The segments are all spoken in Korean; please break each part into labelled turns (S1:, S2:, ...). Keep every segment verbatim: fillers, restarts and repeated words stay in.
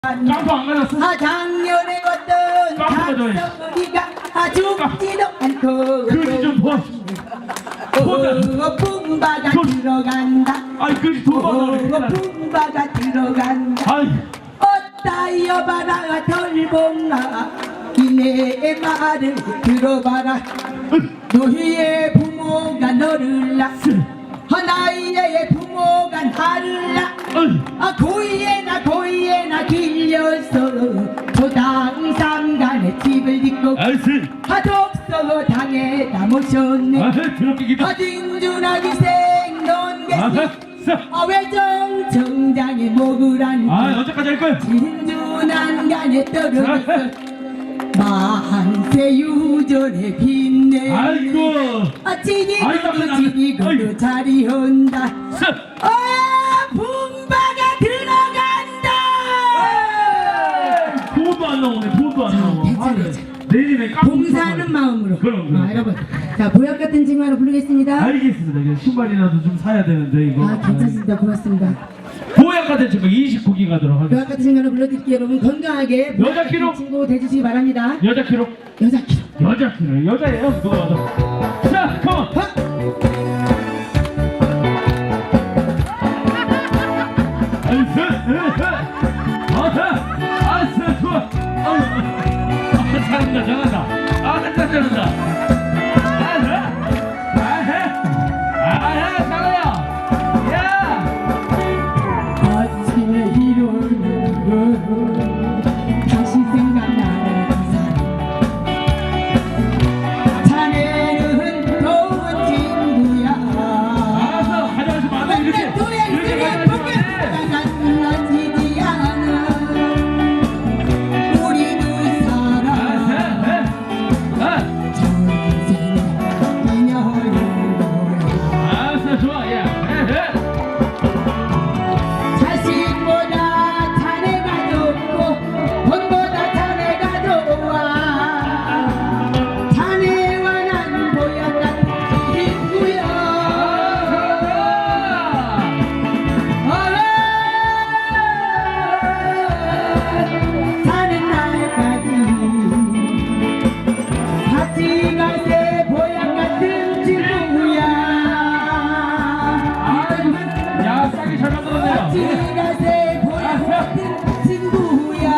S1: 깜빡 안 가졌어?
S2: 아 작년에 어떤 닭소리가 아 죽지도 않고
S1: 그지 좀 봐.
S2: 오 뿜바가 들어간다.
S1: 아이 그지 돈 받아.
S2: 오 뿜바가 들어간다.
S1: 아이
S2: 어따 여봐라 덜봉아 이내 말을 들어봐라. 너희의 부모가 너를 낳았어. 나의 부모가 나를 낳아. 아 고이에나 고이에나 길려서 조당 삼간에 집을 짓고 아 독서 당에다 모셨네. 아 진준아 기생 넌 계시 아 외정 정장에 목을 안고
S1: 아 언제까지 할 거야?
S2: 진준한 간에 떨어졌어. 만세 유전에 빛내.
S1: 아이고
S2: 아 지니고도 지니고도 자리 온다. 아 분바가 들어간다.
S1: 돈도 안 나오네. 돈도 안 나와. 내일에 깜빡
S2: 봉사하는 마음으로.
S1: 그럼, 그럼.
S2: 아, 여러분 자 보약 같은 친구 하나 부르겠습니다.
S1: 알겠습니다. 이게 신발이라도 좀 사야 되는데 이거.
S2: 아 괜찮습니다. 고맙습니다.
S1: 보약 같은 친구 이십구 기 가도록 하겠습니다.
S2: 보약 같은 친구 하나 불러드릴게요. 여러분 건강하게 보약
S1: 여자 키로?
S2: 같은 친구 돼주시기 바랍니다.
S1: 여자 키로?
S2: 여자 키로.
S1: 여자 키로. 여자예요. 누가 봐도. 자, 컴온. 아이스, 아하, 아이스, 좋아. 아, 잘한다, 잘한다. 아, 잘한다. 아하, 아하, 아하, 잘해요. 야.
S2: 아침에 일어나면 다시 생각나는 사람. 자네는 좋은 친구야.
S1: 알았어, 가져가지 마. 이렇게. 이렇게 가져가지 마.
S2: 지지 않아. 우리 두 사람 전생에 인연인 거야.
S1: 알았어, 좋아, 야.
S2: 자식보다 자네가 좋고 돈보다 자네가 좋아. 자네와 난 보약 같은 친구야. 사는 날까지 같이 가세. 보약 같은 친구야.
S1: 야, 싸게 잘 만들었네요.
S2: 같이 가세. 보약 같은 친구야.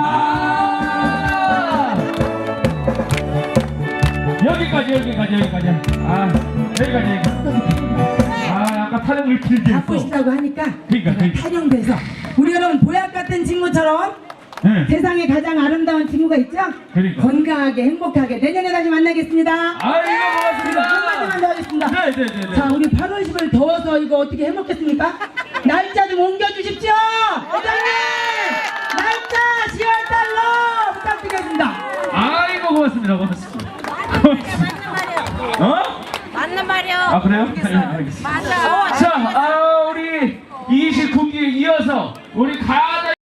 S1: 여기까지, 여기까지, 여기까지. 아, 여기까지, 여기까지. 아, 아까 타령을 길게
S2: 갖고
S1: 했어.
S2: 싶다고 하니까
S1: 그러니까, 그러니까.
S2: 타령돼서 우리 여러분 보약 같은 친구처럼
S1: 네.
S2: 세상에 가장 아름다운 친구가 있죠?
S1: 그러니까.
S2: 건강하게 행복하게 내년에 다시 만나겠습니다.
S1: 아이고, 고맙습니다.
S2: 한마디만 더 하겠습니다.
S1: 네, 네, 네, 네.
S2: 자 우리 팔월 십일 더워서 이거 어떻게 해먹겠습니까? 날짜 좀 옮겨주십시오. 회장님 날짜 시월 달로 부탁드리겠습니다.
S1: 아이고, 고맙습니다. 고맙습니다.
S3: 맞는 말이요.
S1: 어?
S3: 맞는 말이요.
S1: 아, 그래요? 네, 알겠습니다.
S3: 맞아.
S1: 자, 아, 우리 이십구 기에 이어서 우리 가